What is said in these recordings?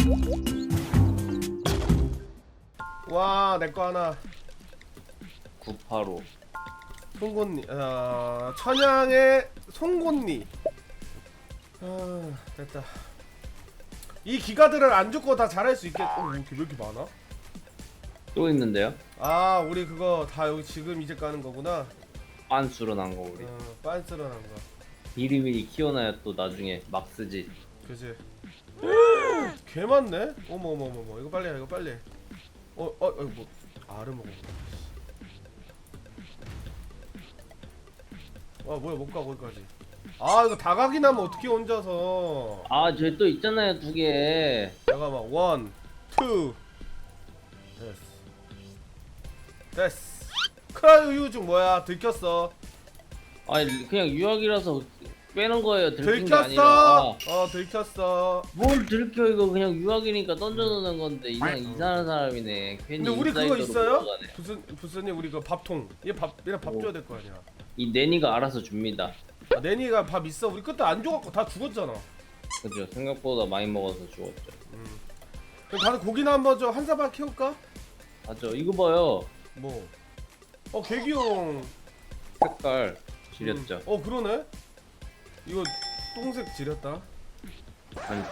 와, 내 거 하나. 985. 송곳니. 천양의 송곳니. 됐다. 이 기가들을 안 죽고 다 잘할 수 있겠. 왜 이렇게 많아? 또 있는데요? 아, 우리 그거 다 여기 지금 이제 까는 거구나. 빤수로 난 거 우리. 빤스런 한 거. 미리미리 키워놔야 또 나중에 막 쓰지. 그지. 개 많네. 어머. 이거 빨리 해. 이거 빨리. 뭐 알을 먹어. 아, 뭐야, 못 가 거기까지. 아, 이거 다각이 나면 어떻게 혼자서. 아, 저기 또 있잖아요, 2개. 잠깐만. 1, 2. 됐어. 크라이오 유중 뭐야? 들켰어. 아니, 그냥 유학이라서 빼는 거예요. 들킨 게 아니라. 들켰어. 들켰어. 뭘 들켜, 이거 그냥 유학이니까 던져놓는 건데. 이상한 사람이네. 괜히 근데 우리 그거 인사이더로 있어요? 들어가네. 부스님 우리 그 밥통. 얘랑 밥 줘야 될 거 아니야. 이 내니가 알아서 줍니다. 아, 내니가 밥 있어. 우리 그때 안 줘갖고 다 죽었잖아. 그죠? 생각보다 많이 먹어서 죽었죠. 그럼 다들 고기나 한번 좀 한 사발 키울까? 맞죠? 이거 봐요. 뭐? 개기용. 색깔 지렸죠? 그러네. 이거 똥색 지렸다. 아니,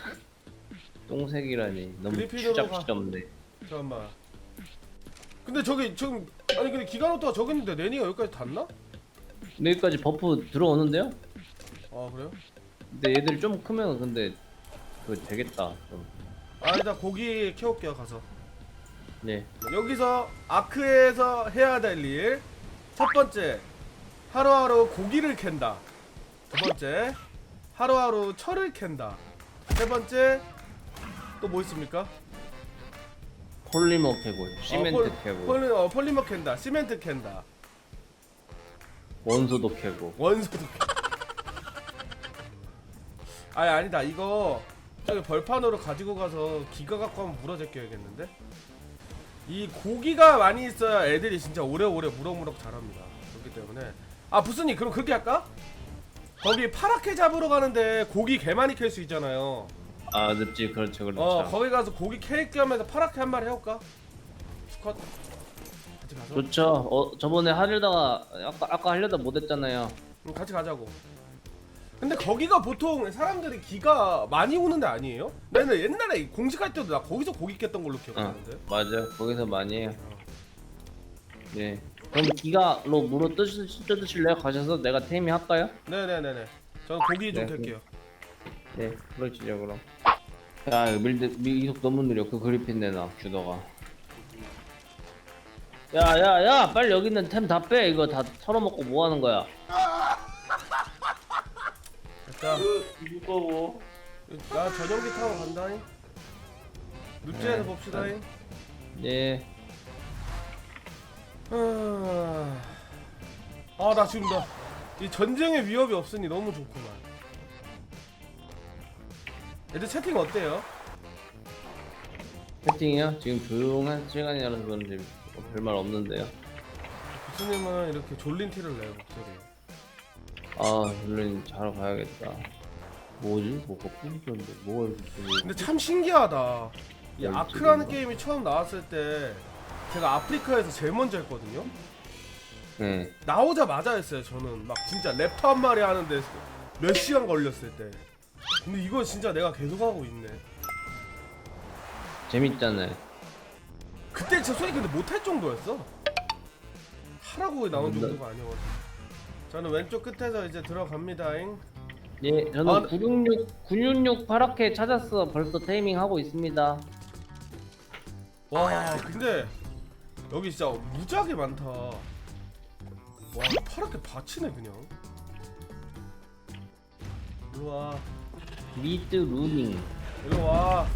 똥색이라니. 너무 그리핀으로 추잡스럽네. 잠깐만. 근데 저기 지금 아니 근데 기가노토가 저기 있는데 내니가 여기까지 닿나? 여기까지 버프 들어오는데요? 아, 그래요? 근데 얘들이 좀 크면 근데 그거 되겠다 좀. 일단 고기 키울게요 가서. 네. 여기서 아크에서 해야 될 일. 첫 번째, 하루하루 고기를 캔다. 두 번째, 하루하루 철을 캔다. 세 번째, 또 뭐 있습니까? 폴리머 캐고 시멘트 캐고 폴리머 캔다. 시멘트 캔다. 원소도 캐고. 원소도 아니다. 이거 저기 벌판으로 가지고 가서 기가 갖고 한번 물어 제껴야겠는데? 이 고기가 많이 있어야 애들이 진짜 오래오래 무럭무럭 자랍니다. 그렇기 때문에 부스님 그럼 그렇게 할까? 거기 파랗게 잡으러 가는데 고기 개 많이 캘 수 있잖아요. 아, 늪지. 그렇죠. 거기 가서 고기 캘 겸해서 파랗게 한 마리 해볼까? 스쿼트 같이 가서? 좋죠. 저번에 하려다가 아까 하려다 못했잖아요. 같이 가자고. 근데 거기가 보통 사람들이 기가 많이 오는 데 아니에요? 나는 옛날에 공식할 때도 나 거기서 고기 깼던 걸로 기억하는데. 맞아. 거기서 많이 해요. 네. 그럼 기가로 물어 뜯으실래요? 가셔서 내가 테이밍 할까요? 네네네네. 저는 고기 좀 네, 캘게요. 네, 그러시죠 그럼. 야, 이거 미속 너무 느려. 그 그리핀 내놔, 주더가. 야, 빨리 여기 있는 템 다 빼. 이거 다 털어먹고 뭐 하는 거야? 됐다. 무거워. 나 전용기 타고 간다잉. 눕지에서 네. 봅시다잉. 네. 나 지금 이 전쟁의 위협이 없으니 너무 좋구만. 애들 채팅 어때요? 채팅이요? 지금 조용한 시간이라서 그런지 별말 없는데요. 부스님은 이렇게 졸린 티를 내요 목소리. 물론 자러 가야겠다. 뭐지? 뭐가 뿌리던데? 뭐가 이렇게. 근데 참 신기하다. 이 뭘 아크라는 찍은 게임이 처음 나왔을 때 제가 아프리카에서 제일 먼저 했거든요. 네. 나오자마자 했어요. 저는 막 진짜 랩터 한 마리 하는데 몇 시간 걸렸을 때. 근데 이거 진짜 내가 계속 하고 있네. 재밌잖아요. 그때 저 소리 근데 못할 정도였어. 하라고 나온 정도가 아니어가지고. 저는 왼쪽 끝에서 이제 들어갑니다잉. 예, 저는 966 파랗게 찾았어. 벌써 테이밍 하고 있습니다. 와, 근데 여기 진짜 무지하게 많다. 와, 파랗게 받치네 그냥. 일로 와. 미드 루닝. 일로 와.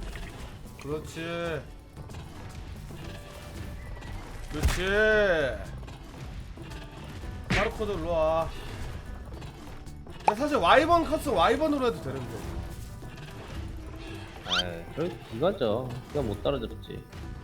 그렇지. 바르코드 일로 와. 사실 와이번 컷은 와이번으로 해도 되는 거. 저 기가죠. 기가 못 따라잡지.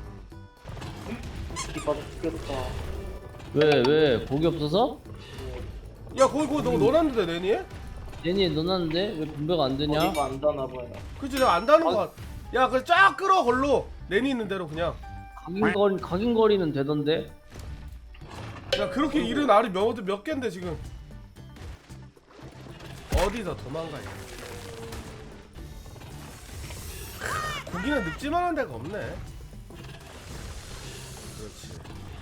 기가 죽겠다. 왜 고기 없어서? 야, 거기 너 넣어놨는데 내니에? 얘니 넣어놨는데 왜 분배가 안 되냐? 머리가 안 닿나봐요. 그치, 내가 안 다는 거 같. 야 그래 쫙 끌어 걸로 레니 있는 대로 그냥. 각인거리는 되던데. 야 그렇게 잃은 알이 몇 갠데 지금. 어디서 도망가냐. 고기는 늙지만한 데가 없네. 그렇지.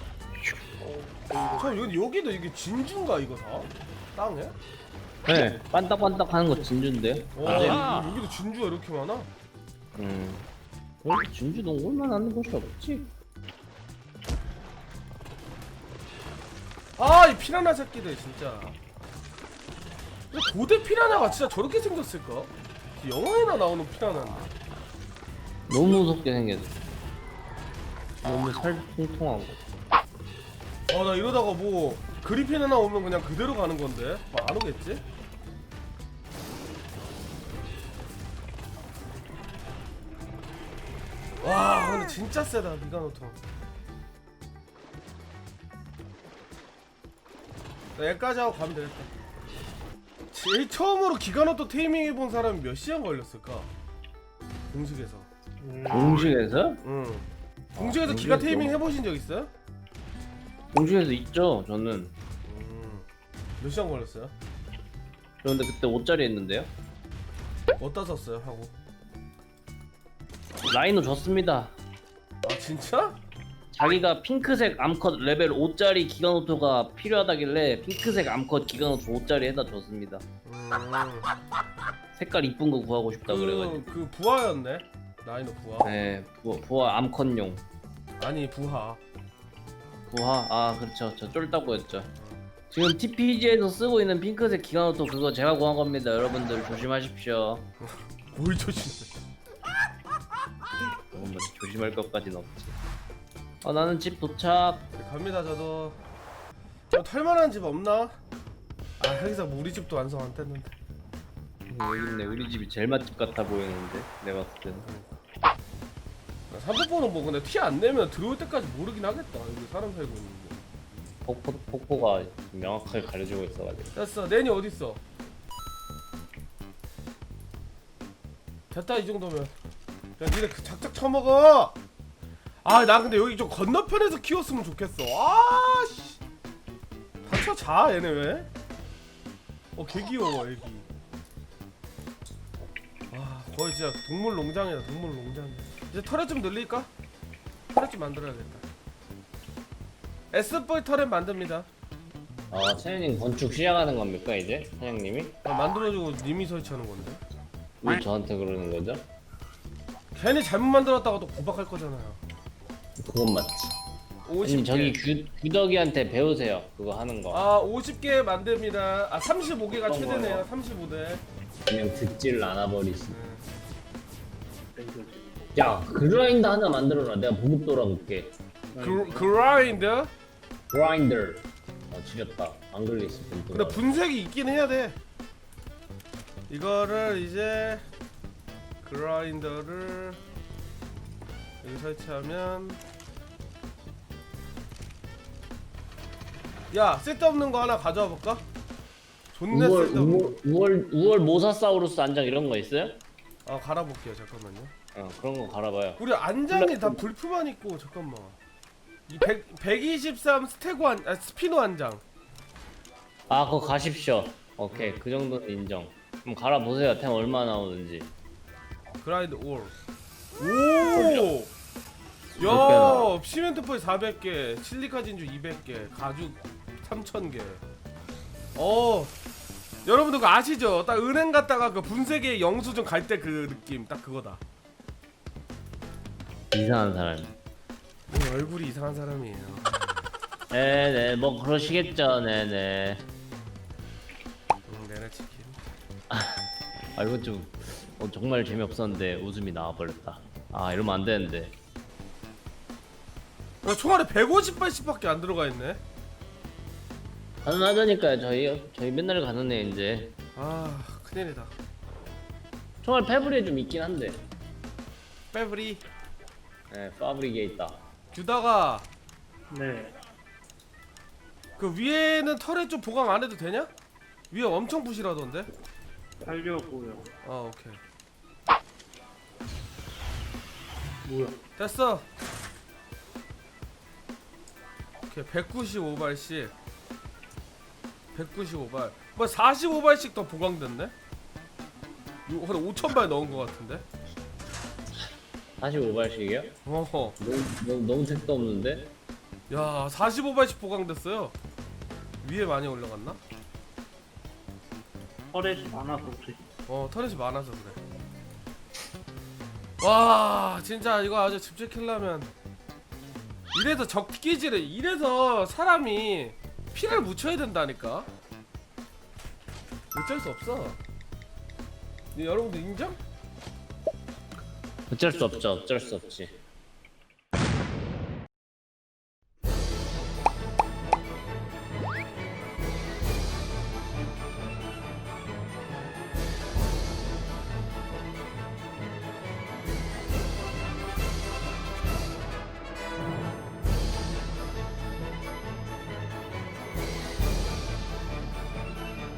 여기도 이게 진주인가 이거 다? 땅에? 네, 반딱반딱하는 거 진주인데. 와 여기도 진주가 이렇게 많아? 진주 농골만 하는 곳이 없지. 아 이 피라냐 새끼들 진짜. 근데 고대 피라냐가 진짜 저렇게 생겼을까? 영화에나 나오는 피라냐인데. 너무 무섭게 생겼어. 너무 살 통통하고. 나 이러다가 뭐 그리핀 하나 오면 그냥 그대로 가는 건데 뭐 안 오겠지? 와 근데 진짜 세다 미가노토. 여기까지 하고 가면 되겠다. 제일 처음으로 기가노토 테이밍 해본 사람이 몇 시간 걸렸을까? 공식에서. 공식에서? 응. 공식에서 기가 테이밍 해보신 적 있어요? 공식에서 있죠, 저는. 몇 시간 걸렸어요? 그런데 그때 5짜리 했는데요. 어디다 썼어요 하고? 라이노 줬습니다. 아 진짜? 자기가 핑크색 암컷 레벨 5짜리 기가노토가 필요하다길래 핑크색 암컷 기가노토 5짜리 해다 줬습니다. 색깔 이쁜 거 구하고 싶다 그래가지고. 그 부하였네. 라이노 부하. 네, 부하 암컷용. 아니 부하. 부하? 아 그렇죠, 저 쫄다고였죠. 지금 TPG에서 쓰고 있는 핑크색 기가노토 그거 제가 구한 겁니다. 여러분들 조심하십시오. 뭘 조심해. 뭐 조심할 것까지는 없지. 나는 집 도착. 갑니다 저도. 저 털만한 집 없나? 아 여기서 뭐 우리 집도 완성 안 됐는데. 여기 있네. 우리 집이 제일 맛집 같아 보이는데 내가 봤을 때는. 3포는 뭐 근데 티 안 내면 들어올 때까지 모르긴 하겠다. 여기 사람 살고 있는데. 폭포가 명확하게 가려지고 있어가지고. 됐어. 내니 어디 있어? 됐다 이 정도면. 야 니네 그 작작 쳐먹어. 아 나 근데 여기 좀 건너편에서 키웠으면 좋겠어. 아씨. 다쳐 자 얘네 왜? 개 귀여워 애기. 와 거의 진짜 동물 농장이다 동물 농장. 이제 터렛 좀 늘릴까? 터렛 좀 만들어야겠다. S보이 터렛 만듭니다. 사장님 건축 시작하는 겁니까 이제? 사장님이? 만들어주고 님이 설치하는 건데. 왜 저한테 그러는 거죠? 괜히 잘못 만들었다가 또 고박할 거잖아요. 그건 맞지. 50개. 아니 저기 규덕이한테 배우세요. 그거 하는 거. 50개 만듭니다. 35개가 어떤 최대네요. 거요? 35대. 그냥 듣지를 않아버리시. 야 그라인더 하나 만들어라. 내가 보급 돌아볼게. 그라인드? 그라인더. 지렸다. 안 걸렸어. 근데 분색이 있긴 해야 돼. 이거를 이제 그라인더를 여기 설치하면 야 쓸데없는 거 하나 가져와 볼까? 존나 쓸데없는 거. 우월 모사사우루스 안장 이런 거 있어요? 갈아볼게요. 잠깐만요. 그런 거 갈아봐요. 우리 안장이 다 불표만 있고 잠깐만. 이 123 스테고 스피노 안장. 그거 가십시오. 오케이 그 정도는 인정. 그럼 갈아보세요. 템 얼마 나오는지. 그라인드 올. 오! 몇 야, 시멘트 포이 400개, 실리카 진주 200개, 가죽 3000개. 여러분들 그거 아시죠? 딱 은행 갔다가 그 분쇄기의 영수증 갈 때 그 느낌 딱 그거다. 이상한 사람. 얼굴이 이상한 사람이에요. 네네 뭐 그러시겠죠. 네네. 내내 치킨. 이거 좀 정말 재미없었는데 웃음이 나와버렸다. 이러면 안 되는데. 총알에 150발씩밖에 안 들어가 있네. 가능하다니까요. 저희 맨날 가는 애 이제. 큰일이다. 총알 패브리에 좀 있긴 한데. 빼브리. 네, 파브리게 있다. 규다가 네, 그 위에는 털에 좀 보강 안 해도 되냐? 위에 엄청 부실하던데. 하려고요. 오케이. 뭐야? 됐어. 오케이 195발씩 195발 뭐 45발씩 더 보강됐네? 한 5,000발 넣은 것 같은데? 45발씩이요? 어허 너무 택도 없는데? 야 45발씩 보강됐어요. 위에 많이 올라갔나? 터렛이 많아서 그래. 터렛이 많아서 그래. 와 진짜 이거 아주 집 지키려면 이래서 적기질을 이래서 사람이 피를 묻혀야 된다니까. 어쩔 수 없어. 여러분들 인정? 어쩔 수 없지.